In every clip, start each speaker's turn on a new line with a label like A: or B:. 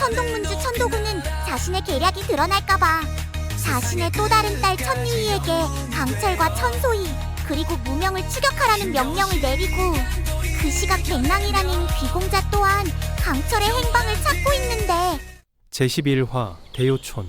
A: 천동문주 천도군은 자신의 계략이 드러날까봐 자신의 또 다른 딸 천리희에게 강철과 천소희 그리고 무명을 추격하라는 명령을 내리고 그 시각 백랑이라는 귀공자 또한 강철의 행방을 찾고 있는데
B: 제11화 대요촌.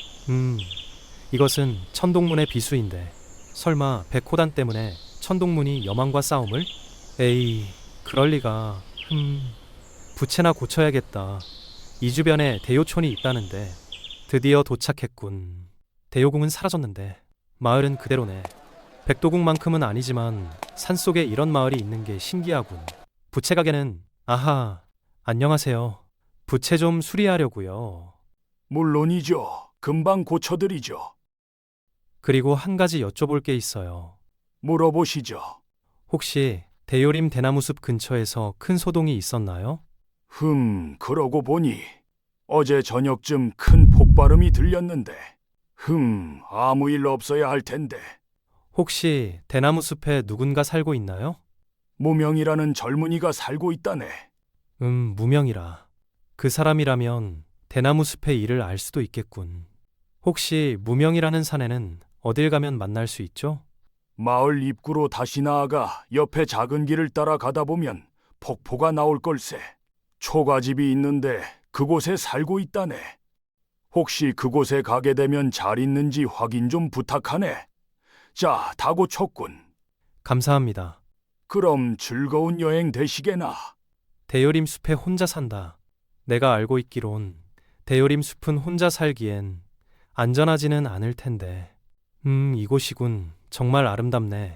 B: 이것은 천동문의 비수인데 설마 백호단 때문에 천동문이 여망과 싸움을? 에이, 그럴리가. 부채나 고쳐야겠다. 이 주변에 대요촌이 있다는데 드디어 도착했군. 대요궁은 사라졌는데 마을은 그대로네. 백도궁만큼은 아니지만 산속에 이런 마을이 있는 게 신기하군. 부채 가게는 아하, 안녕하세요. 부채 좀 수리하려고요.
C: 물론이죠. 금방 고쳐드리죠.
B: 그리고 한 가지 여쭤볼 게 있어요.
C: 물어보시죠.
B: 혹시 대요림 대나무숲 근처에서 큰 소동이 있었나요?
C: 그러고 보니 어제 저녁쯤 큰 폭발음이 들렸는데 아무 일 없어야 할 텐데.
B: 혹시 대나무숲에 누군가 살고 있나요?
C: 무명이라는 젊은이가 살고 있다네.
B: 무명이라. 그 사람이라면 대나무숲의 일을 알 수도 있겠군. 혹시 무명이라는 사내는 어딜 가면 만날 수 있죠?
C: 마을 입구로 다시 나아가 옆에 작은 길을 따라 가다 보면 폭포가 나올 걸세. 초가집이 있는데 그곳에 살고 있다네. 혹시 그곳에 가게 되면 잘 있는지 확인 좀 부탁하네. 자, 다 고쳤군.
B: 감사합니다.
C: 그럼 즐거운 여행 되시게나.
B: 대요림 숲에 혼자 산다. 내가 알고 있기론 대요림 숲은 혼자 살기엔 안전하지는 않을 텐데. 이곳이군. 정말 아름답네.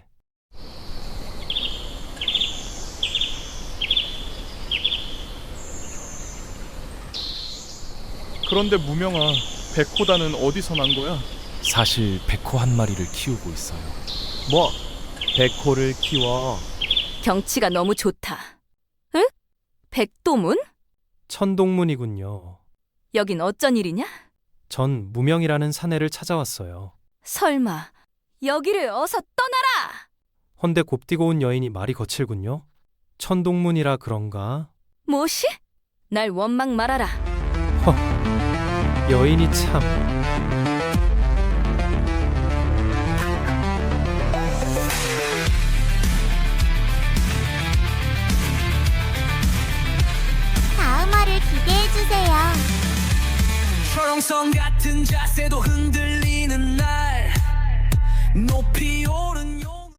D: 그런데 무명아, 백호단은 어디서 난 거야?
E: 사실 백호 한 마리를 키우고 있어요.
D: 뭐? 백호를 키워?
F: 경치가 너무 좋다. 응? 백도문?
B: 천동문이군요.
F: 여긴 어쩐 일이냐?
B: 전 무명이라는 사내를 찾아왔어요.
F: 설마 여기를 어서 떠나라!
B: 헌데 곱디고 온 여인이 말이 거칠군요. 천동문이라 그런가?
F: 뭐시? 날 원망 말아라.
B: 여인이 참...
A: 다음 화를 기대해주세요.
G: 초롱성 같은 자세도 흔들리는 날 높이 오르